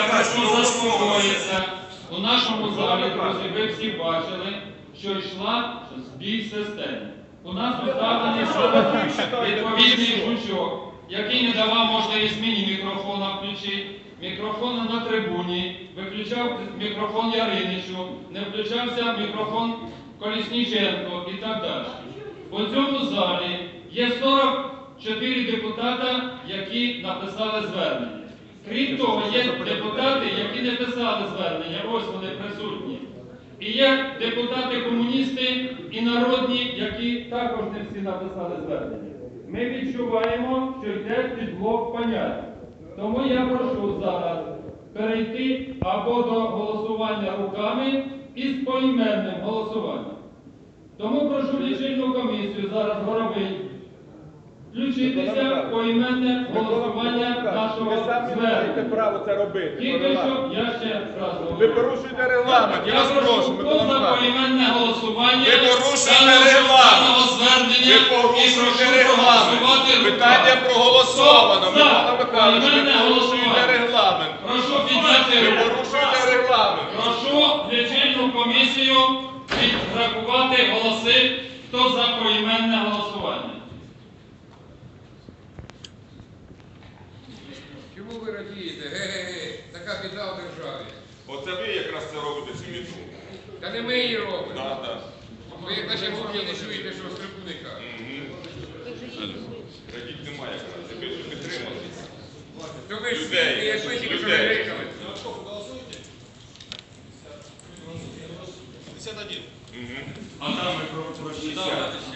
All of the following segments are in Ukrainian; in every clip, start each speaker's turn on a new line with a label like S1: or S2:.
S1: прошу заспокоїтися. У нашому залі, друзі, ви всі бачили, що йшла збій системи. У нас поставлений відповідний жучок, який не давав можливість мені мікрофона включити, мікрофон на трибуні, виключав мікрофон Яриничу, не включався мікрофон Колісніченко і так далі. У цьому залі є 44 депутата, які написали звернення. Крім того, є депутати, які не писали звернення, ось вони присутні. І є депутати-комуністи і народні, які також не всі написали звернення. Ми відчуваємо, що йде підблок понять. Тому я прошу зараз перейти або до голосування руками і з поіменним голосуванням. Тому прошу лічильну комісію зараз Горовий включитися в поіменне голосування нашого звернення.
S2: Право це робити.
S1: Тільки що я ще раз говорю.
S2: Ви порушуєте регламент, я вас прошу.
S1: Хто за поіменне голосування
S2: Ви порушуєте регламент.
S1: звернення
S2: Ви порушуєте регламент. Питання проголосовано. Микола Михайлович, ви порушуєте регламент.
S1: Прошу підняти
S2: Ви
S1: руку.
S2: порушуєте регламент.
S1: Прошу лічильну комісію підрахувати голоси, хто за поіменне голосування.
S3: Чому ви радієте? Ге-ге-ге, така біда в державі.
S2: Оце ви якраз це робите, цю міту.
S3: Та не ми її робимо.
S2: Так.
S3: Ви як наші мовні не чуєте, що з трибуни кажуть.
S2: Радіть немає якраз. Ви ж підтримали.
S3: То ви ж
S2: Людей.
S3: світлі, як ви тільки що
S2: Людей.
S3: грикали.
S4: 51.
S1: А там ми прочитали.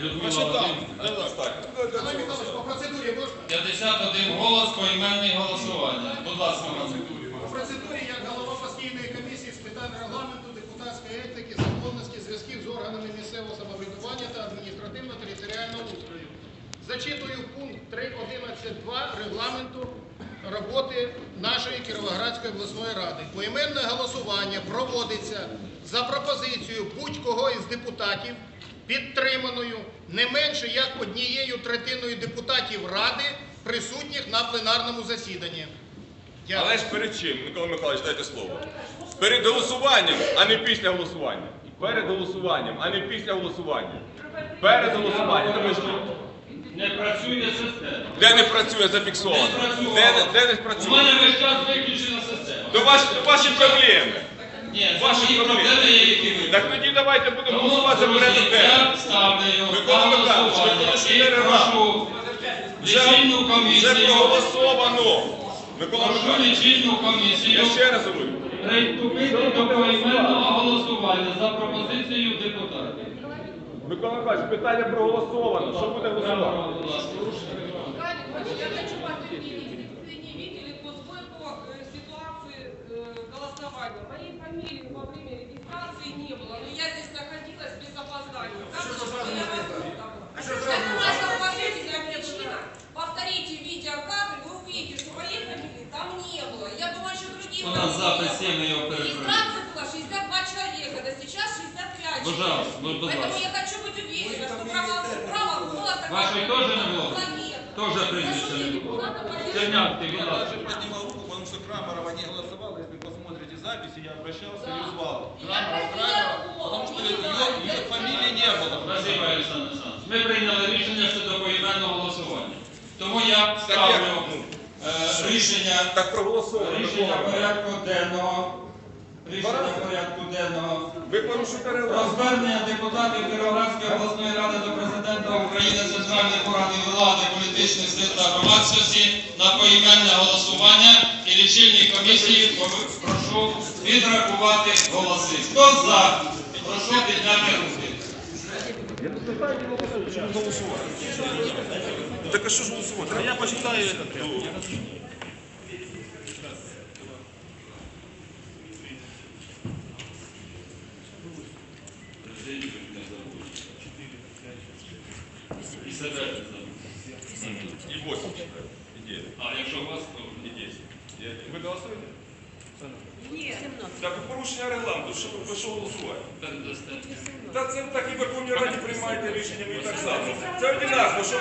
S4: По процедурі можна?
S1: 51 голос, поіменне голосування. Будь ласка,
S4: По процедурі, як голова постійної комісії з питань регламенту, депутатської етики, законності, зв'язків з органами місцевого самоврядування та адміністративно-територіального устрою. Зачитую пункт 3.11.2 регламенту роботи нашої Кіровоградської обласної ради. Поіменне голосування проводиться за пропозицією будь-кого із депутатів, підтриманою не менше як 1/3 депутатів Ради, присутніх на пленарному засіданні. Дякую.
S2: Але ж перед чим, Микола Михайлович, дайте слово. Перед голосуванням, а не після голосування. Перед голосуванням, а не після голосування. Перед голосуванням. Ну, ви ж
S1: не працює система.
S2: де не працює, зафіксовано. Де не
S1: У
S2: працює.
S1: мене весь час виключена система.
S2: То ваші проблеми.
S1: Ні, це
S2: Ваші
S1: мої
S2: проблеми.
S1: проблеми, які ви.
S2: Так тоді давайте будемо
S1: Тому,
S2: голосувати за порядок
S1: друзі,
S2: денний.
S1: я ставлю його
S2: Микола
S1: на
S2: Михайлович, ви
S1: голосування
S2: порушуєте
S1: і прошу лічильну
S2: Вже
S1: комісію,
S2: проголосовано. Микола
S1: прошу
S2: Михайлович,
S1: лічильну комісію
S2: я ще раз говорю.
S1: приступити до поіменного голосування за пропозицією депутатів.
S2: Микола Михайлович, питання проголосовано. Що буде голосувати?
S1: Будь ласка.
S5: Я хочу подтвердить, если вы не видели, то сбой по ситуации голосования. Моей фамилии во время регистрации не было, но я здесь находилась без опоздания. Это наша уважительная причина. Повторите видеокадр, вы увидите, что моей фамилии там не было. Я думаю, что другие
S1: У нас запис
S5: фамилии.
S1: 7, я его перекрою.
S5: Регистрация была 62 человека, да сейчас 65 человек.
S1: Пожалуйста, ну, будь
S5: Поэтому
S1: ласка.
S5: я хочу быть уверена, что право голоса...
S1: Вашей тоже не было?
S5: Нет.
S1: Тоже прізвище не було. Чернявки, будь
S4: Я
S1: ласка.
S4: даже поднимал руку, потому что Крамарова не голосовала. Если посмотрите записи, я обращался и звал.
S5: Я просила
S4: Потому что
S5: голос.
S4: ее фамилии не было.
S1: Спасибо, Олександр Олександрович. Ми прийняли рішення щодо поіменного голосування. Тому я
S2: Так
S1: ставлю
S2: як?
S1: рішення
S2: Так проголосовано.
S1: Рішення порядку денного. Рішення порядку денного.
S2: Ви порушуєте
S1: Про
S2: регламент.
S1: звернення депутатів Кіровоградської обласної ради до Президента України, центральних органів влади, політичних сил та громадськості на поіменне голосування і лічильній комісії прошу відрахувати голоси. Хто за? Прошу підняти руки.
S2: Так а що ж голосувати? А я почитаю этот.
S1: І себе не забудь.
S2: І 8 читаю. І 9.
S1: А якщо у вас, то
S2: І 10. Ви голосуєте?
S5: Нет.
S2: Так і порушення регламенту. Що ви голосувати?
S1: передасте.
S2: Та це так і в Верховній Раді приймаєте рішення, ви і так само. Це одинаково.